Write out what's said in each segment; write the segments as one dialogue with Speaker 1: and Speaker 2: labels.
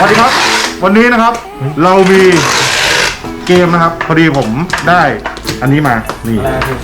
Speaker 1: วัสดีครับวันนี้นะครับเรามีเกมนะครับพอดีผมได้อันนี้มานี่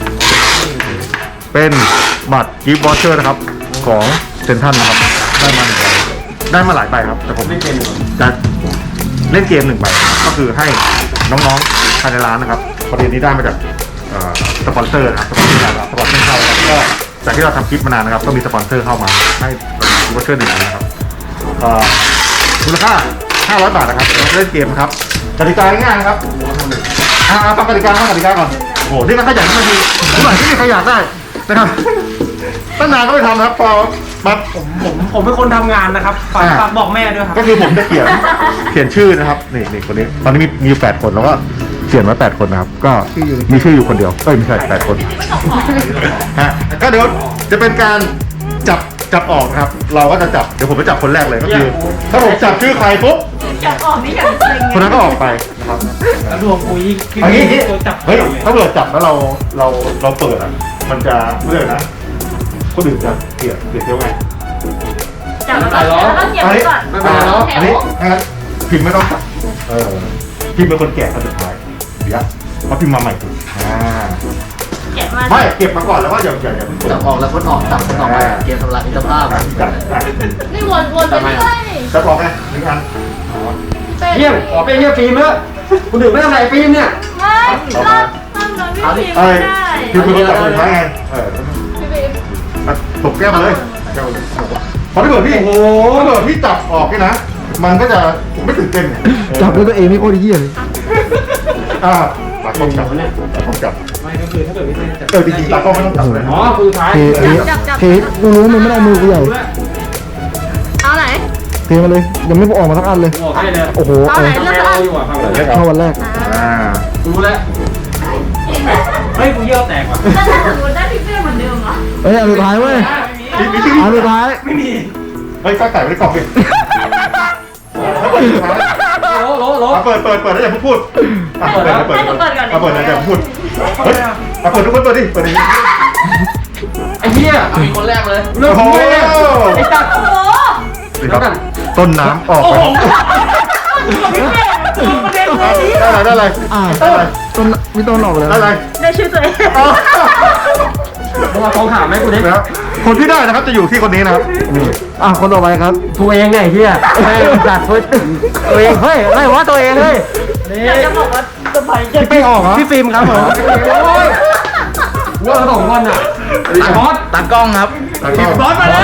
Speaker 1: เป็นบัตรกิฟต์วอเชอร์นะครับของเซนทรัลนะครับได้มา1 ใบได้มาหลายใบครับแต่ผมจะเล่นเกม1 ใบก็คือให้น้องๆภายในร้านนะครับพอดีนี้ได้มาจากสปอนเซอร์นะครับสปอนเซอร์เข้าแล้วก็จากที่เราทำคลิปมานานนะครับก็มีสปอนเซอร์เข้ามาให้กิฟต์วอเชอร์1 อันนะครับมูลค่า500 บาทนะครับเราเล่นเกมครับกติกาง่ายๆครับฟังกติกาก่อนโอ้โหนี่มันขยันมากทีผมหน่อยที่มีใครอยากได้นะครับตั้งนานก็ไม่ทำนะครับพอมา
Speaker 2: ผมเป็นคนทำงานนะครับฝากบอกแม่ด้วยครับ
Speaker 1: ก็คือผมจะเขียนชื่อนะครับนี่คนนี้ตอนนี้มี8 คนแล้วก็เขียนไว้8 คนนะครับก็มีชื่ออยู่คนเดียวไม่ใช่8 คนฮะก็เดี๋ยวจะเป็นการจับออกครับเราก็จะจับเดี๋ยวผมไปจับคนแรกเลยก็คือถ้าผมจับชื่อใครปุ๊บ
Speaker 3: จับออกนี่อย่างเซ็ง
Speaker 1: คนนั้นก็ออกไปนะครับ
Speaker 2: แล้วดวงคุย
Speaker 1: อันนี้เฮ้ยถ้าเกิดจับแล้วเราเปิดอ่ะมันจะเรื่อยนะคนอื่นจะเปลี่ยนเที่ยวไง
Speaker 3: จับแล้วก็เก็บไว้ก่อน
Speaker 1: อันนี้นะครับพิมพ์ไม่ต้องจับพิมพ์เป็นคนแก่คนสุดท้ายเดี๋ยวเขาพิมพ์มาใหม่ถูกไม่เก็บมาก่อนแล้วก็อย่า
Speaker 4: จับออกแล้วพ้นออกจับพ้นออกมาเกมทำลายมิตรภาพ
Speaker 3: นี่วนไปเรื่อย
Speaker 1: จะบอกไง1 อัน
Speaker 2: เยี่ยมขอเป็นเยี่ยมฟิล์มเถอะคุณถึงไม่ทำไรฟิล์มเนี่ย
Speaker 3: ไม่รอบเราไม่ฟิล์มไม่ได้
Speaker 1: คือคุณจับคนสุดท้ายไงตบแก้มมาเลยพอถ้าเกิดพี่จับออกนี่นะมันก็จะไม่ตื่นเต้น
Speaker 4: จับด้วยตัวเองไม่โคตรเยี่ยมเลย
Speaker 1: ตากล้องจับเนี่ยตากล้องจับ
Speaker 2: ไม่ก็คือถ้าเกิดไม่ได้
Speaker 1: จริงๆตากล้องไม่ต้องจับเลย
Speaker 2: อ๋อคือสุดท้าย
Speaker 4: เทกูรู้มันไม่ได้มือกูใหญ่
Speaker 3: เอาไหน
Speaker 4: เทมาเลยยังไม่ออกมาสักอันเลยโอ้โห
Speaker 3: เอาไหนเลือกอัน
Speaker 4: เข้าวันแรก
Speaker 2: รู้แล้วเฮ้ยกูเยี่ยวแตกว่ะ
Speaker 3: ถ้าสมมติได้พี่เป้เหมือนเดิมเหรอ
Speaker 4: อันสุดท้ายเว้ยอันสุดท้าย
Speaker 2: ไม่มี
Speaker 1: เฮ้ยก็ใส่ไว้ในกล่องสิเปิดแล้วอย่าพูดเปิดนะอย่าพูดเฮ้ยเปิดทุกคนเปิดดิ
Speaker 2: ไอ้เหี้ย
Speaker 4: มีคนแรกเลย
Speaker 2: โอ้โหไอ้ตัด
Speaker 3: โอ้โห
Speaker 1: ต้นน้ำออกไปได้อะไร
Speaker 4: ต้นมีต้นออกเลย
Speaker 3: ได้ชื่อตัวเอง
Speaker 2: มาลองถามไหมกูดิ
Speaker 1: คนที่ได้นะครับจะอยู่ที่คนนี้นะครับ
Speaker 4: คนต่อไปครับ
Speaker 2: ตัวเองไงเฮียจัดตัวเองเฮ้ยไม่ว่าตัวเองเลย
Speaker 3: อยากจะบอกว่าสบายใจ
Speaker 4: ไม่ออกเหรอ
Speaker 2: พี่ฟิล์มครับผมว่า2 คนอ่ะบอส
Speaker 4: ตากล้องครับ
Speaker 2: บอสมาแล้ว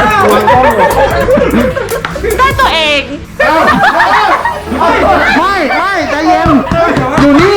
Speaker 3: ได้ตัวเอง
Speaker 4: ไม่ใจเย็นอยู่นี่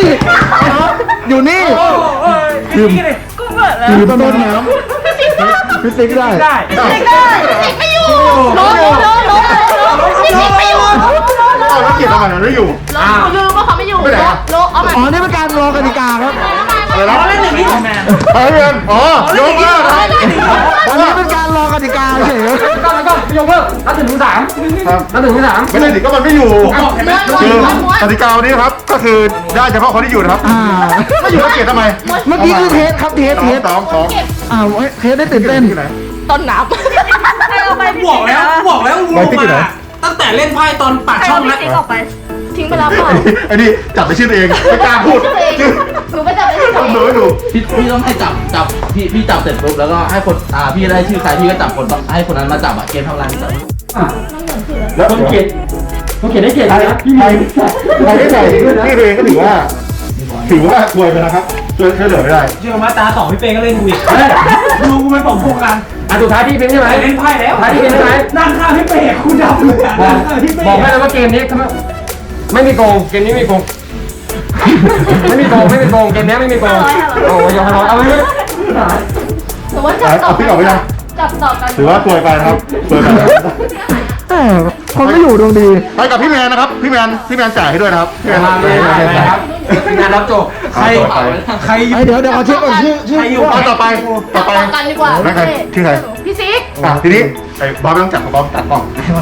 Speaker 3: กูเปิดแล้ว
Speaker 4: อยู่ต้นน้ำพี่ติ๊กได้
Speaker 3: ไม่อยู่โลพี่ติ๊กไม่อยู่
Speaker 1: แล้วเกียรติทำไมมันไม่อยู่
Speaker 3: อยู่ก็เขาไม่อยู่โลเอามา
Speaker 4: นี่เป็นการรอกติกาครับ
Speaker 2: เล่นอย่างนี้แมน
Speaker 1: ยกเลิก
Speaker 4: อันนี้เป็นการรอกติกาเฉย
Speaker 2: ก็ยกเลิกนับถึง 3
Speaker 1: ไม่ได้ดิก็มันไม่อยู่คือกติกานี้ครับก็คือได้เฉพาะคนที่อยู่นะครับไม่อยู่ก็เกียรติทำไม
Speaker 4: เมื่อกี้คือเทสครับเทส
Speaker 1: 2
Speaker 4: เทสได้ตื่นเต้น
Speaker 3: ต้นน้ำ
Speaker 2: บอกแล้วรู้มาตั้งแต่เล่นไพ่ตอนปากช่องแล้ว
Speaker 3: ทิ้งไปแล้วเปล่า
Speaker 1: ไอ้นี่จับไปชื่อเองไม่กล้าพูด
Speaker 3: หนูไปจับไปชื่อเอง
Speaker 1: ดู
Speaker 4: พี่ต้องให้จับพี่จับเสร็จปุ๊บแล้วก็ให้คนพี่ได้ชื่อใครพี่ก็จับคนให้คนนั้นมาจับเกมทำลาย
Speaker 2: แล้วคนเขียนได้เขียนนะพี่
Speaker 1: ใครได้ใส่พี่เองก็ถือว่าป่วยไปนะครับช่วยเหลือไม่ได้
Speaker 2: เชื่อมาตา2พี่เป้ก็เล่นกูอีกดูกูเป็นผมพงกันสุดท้ายที่เป็นใช่ไหมเล่นไพ่แล้วท้ายที่เป็นใช่ไหมนั่งข้างพี่เป้คุณดับเลยบอกให้แล้วว่าเกมนี้ไม่มีโกงเกมนี้ไม่มีโกงไม่มีโกงเกมนี้ไม่มีโกงโอ้ยยอมเอาไปเลย
Speaker 3: ถือว่าจับต่อกัน
Speaker 1: ถือว่าป่วยไปครับป่วยไป
Speaker 4: คนก็อยู่ดวงดี
Speaker 1: ไปกับพี่แมนนะครับพี่แมนจ่ายให้ด้วยนะครับพี่แมน
Speaker 2: ครับงานรับจบใคร
Speaker 4: เดี๋ยวเขาเช็คก่อนชื่อ
Speaker 1: อยู่ต่อไป
Speaker 3: กันดีกว่า
Speaker 1: ชื่อใคร
Speaker 3: พี่ซิก
Speaker 1: ทีนี้ไอ้บอสไม่ต้องจับบอสตัดกล้อง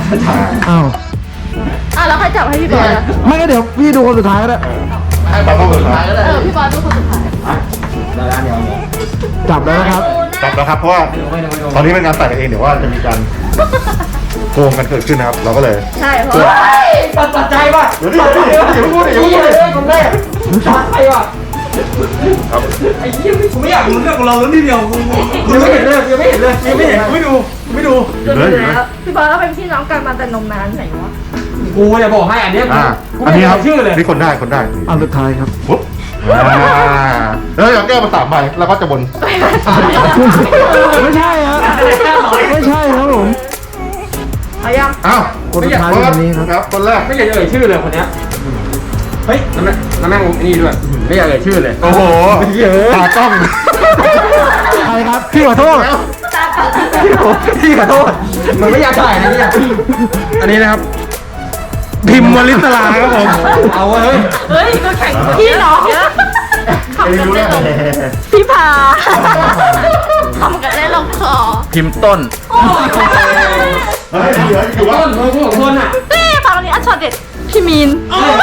Speaker 3: แล้วใครจับให้พี่บอส
Speaker 4: ไม่ก็เดี๋ยวพี่ดูคนสุดท้ายก็ได้
Speaker 1: ให้บอสคนสุดท้ายก็ได้
Speaker 3: พี่บอสดูคนสุดท้าย
Speaker 4: จับแล้วนะครับ
Speaker 1: เพราะว่าตอนนี้เป็นงานใส่กันเองเดี๋ยวว่าจะมีการโกงกันเกิดขึ้นนะครับเราก็เลย
Speaker 3: ใช่เพราะ
Speaker 2: ตัดใจว่ะ
Speaker 1: เดี๋ยวดิอย่าพูดดิอย่าพูดดิ
Speaker 2: คนแรกตัดใจว่ะ
Speaker 1: ครับ
Speaker 2: ไอ้เหี้ยกูไม่อยากรู้เรื่องของเราแล้วนิดเดียวยังไม่เห็นเลยยังไม่เห็นเลยยังไม่เห็นไม่ดู
Speaker 1: อยู่เลยอยู่เลย
Speaker 3: พี่บอลก็เป็นพี่น้องกันมาแต่นมนานไหนวะ
Speaker 2: กูจะบอกให้อันเนี้ย กู
Speaker 1: อัน
Speaker 2: ไม่
Speaker 1: นี้ค
Speaker 2: เห็
Speaker 1: รับ
Speaker 2: นชื่อเลย
Speaker 1: นี่คนได้คนได้
Speaker 5: อันสุดท้ายครับ
Speaker 1: ปุ๊บแล้วอยากแก้มา3ใบแล้วก็จะบน
Speaker 5: ไม่ใช่ครับไม่ใช่ครับผม
Speaker 3: เอายัง
Speaker 1: อ้าว
Speaker 5: คนสุดท้ายคนนี้ครับ
Speaker 1: ครับคนแรก
Speaker 2: ไม่อยากจะเอ่ยชื่อเลยคนเนี้ยเฮ้ยแล้วแม่งนี่ด้วยไม่อยากเอ่ยชื่อเลย
Speaker 1: โอ้โหตากล้อง
Speaker 5: ใครครับพี่ขอโทษ
Speaker 2: พี่ขอโทษมันไม่อยากถ่ายนะเนี่ยอันนี้นะครับ พิมพ์วลิศลาครับผมเอาเฮ้ย
Speaker 3: เฮ้ยก็แข่งพี่น้องทำ
Speaker 1: ไม่
Speaker 3: กัน
Speaker 1: รู้
Speaker 3: ได้
Speaker 1: แล้ว
Speaker 3: ลงพี่พาทำกันได้ลงคอ
Speaker 4: พิมพ์ต้น
Speaker 3: โอ้ย
Speaker 1: เฮ้ยเหลืออยู่ว่า
Speaker 2: ต้นของคนอ่ะ
Speaker 3: นี่ฟังวันนี้อัชช็อตเด็ดพี่มีน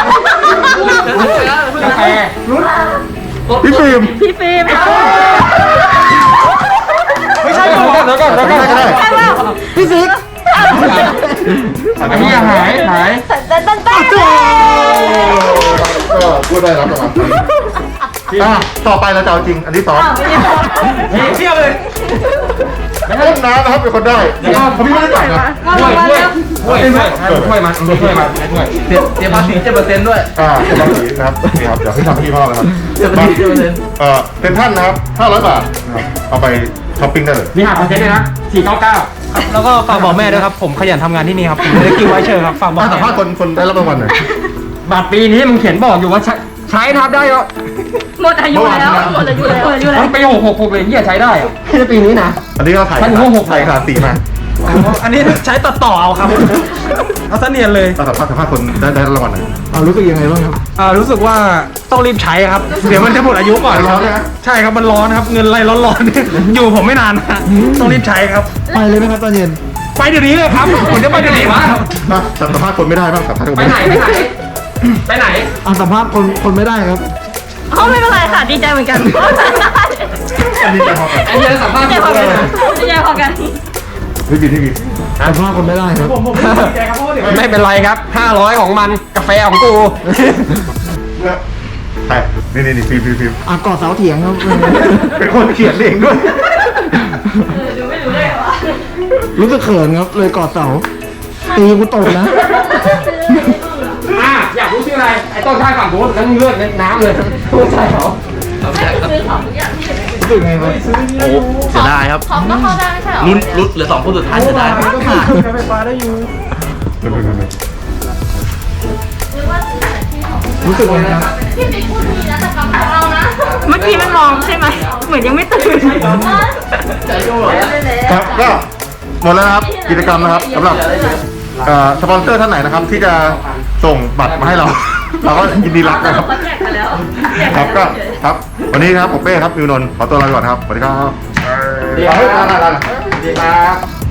Speaker 2: กาแฟรุ่น
Speaker 1: พี่ฟิล์ม
Speaker 3: พี่ฟิล์ม
Speaker 2: ไม่ใช่ก่อนแล้วก่อน
Speaker 1: ได้ก็ได้
Speaker 3: ใช่ป่ะพี่ซิก
Speaker 2: อันนี้หาย
Speaker 3: เต้นเต้นเต้น
Speaker 1: ก็พูดได้รับรางวัลต่อไปเราจะเอาจริง อันที่สอง
Speaker 2: เชี่ยวเลย
Speaker 1: ห้องน้ำนะครับเป็นคนได้เขาพี่ไม่ได้จ่ายนะ
Speaker 2: ช่วยมันช่วย
Speaker 4: เสียภาษี7%ด้วย
Speaker 1: เป็นบางสีนะครับนี่ครับเดี๋ยวให้ทำพี่พ่อนะครับ
Speaker 4: เสียภาษี7%
Speaker 1: เป็นท่านนะครับ500 บาทนะครับเอาไปช้อปปิ้งได้เลย
Speaker 2: มีหักเปอร์เซ็นต์ด้วยนะ499
Speaker 5: แล้วก็ฝากบอกแม่ด้วยครับผมขยันทำงานที่นี่ครับผมไม่ได้กินไว้เชิญครับฝากบอก
Speaker 1: สัมภาษณ์คนได้รับรางวัลหน่อย
Speaker 2: บัตรปีนี้มึงเขียนบอกอยู่ว่าใช้นับได้เหรอ
Speaker 3: หมดอายุแล้วหมดอายุแล้วหมดอายุแล้ว
Speaker 2: มันปี666เลยที่จะใช้ได้แค่ปีนี้นะ
Speaker 1: อันนี้ก็ถ่าย
Speaker 2: ท่านพวก6
Speaker 1: ถ่ายขาสีมา
Speaker 5: อันนี้ใช้ตัดต่อเอาครับเอาเสนียนเลย
Speaker 1: สัมภาษณ์คนได้รับรางวัลหน่อย
Speaker 5: รู้สึกยังไงบ้างครับรู้สึกว่าต้องรีบใช้ครับ เดี๋ยวมันจะหมดอายุก่อน
Speaker 1: ร้อนเลยนะ
Speaker 5: ใช่ครับมันร้อนครับเงินไรร้อนๆ อยู่ผมไม่นานนะต้องรีบใช้ครับไปเลยไหมครับตอนเย็นไปเดี๋ยวนี้เลยครับผมจะไปเดี๋ยวนี้วะ
Speaker 1: สัมภาษณ์คนไม่ได้บ้างสัมภาษณ์คน
Speaker 2: ไป
Speaker 1: ไม่
Speaker 2: ไหน
Speaker 1: ได้
Speaker 2: ไปไหน
Speaker 5: สัมภาษณ์คนไม่ได้ครับ
Speaker 3: เขาไม่เป็นไรค่ะดีใจเหมือนกัน
Speaker 1: อันนี้จะพอกัน
Speaker 2: อันนี้สัมภาษ
Speaker 3: ดี
Speaker 2: ณ์
Speaker 3: ใจพอกันดีใจพอกัน
Speaker 1: พี่บี
Speaker 5: สัมภาษณ์คนไม่ได้ครับ
Speaker 2: ไม่เป็นไรครับ500ของมันกาแฟของกู
Speaker 1: ใช่นี่ฟิล์ม
Speaker 5: กอดเสาเถียงครับ
Speaker 1: เป็นคนเขียนเองด้วย
Speaker 3: ดูไม่รู้เลยเหรอ
Speaker 5: รู้สึกเขินครับเลยกอดเสาตีกูตกนะ
Speaker 2: อยากรู้ชื่ออะไรไอ้ต้นข้างฝั่งกูนั่นเลือดในน้ำเลยไม่ใช่เหรอ
Speaker 3: ซื้อของทุกอย่างที่เห็น
Speaker 5: รู้สึกไงครับ
Speaker 4: โอ้เสียดายครับ
Speaker 3: ของก็เข้าได้ไม่ใช่เหรอ
Speaker 4: ลุ้นเหลือ2คนสุดท้ายเสียดายมาก
Speaker 5: ไฟฟ้าได้อยู่
Speaker 3: หรือว่าซื้อแต่ที่ของ
Speaker 5: รู้สึกไงครับ
Speaker 3: พี่ปิ๊กพูดดีนะแต่กับของเรานะ เมื่อกี้มันมองใช่ไหม เหมือนยังไม่ตื่น
Speaker 4: ใจโย่เลย
Speaker 1: ครับก็หมดแล้วนะครับกิจกรรมนะครับสำหรับสปอนเซอร์ท่านไหนนะครับ ที่จะส่งบัตรมาให้เรา เราก็ยินดีรับนะครับ
Speaker 3: แจกกันแล้ว
Speaker 1: ครับก็ครับวันนี้ครับผมเป้ครับมิวนนท์ขอตัวลาไปก่อนครับสวัสดีครับ
Speaker 2: ดีครับ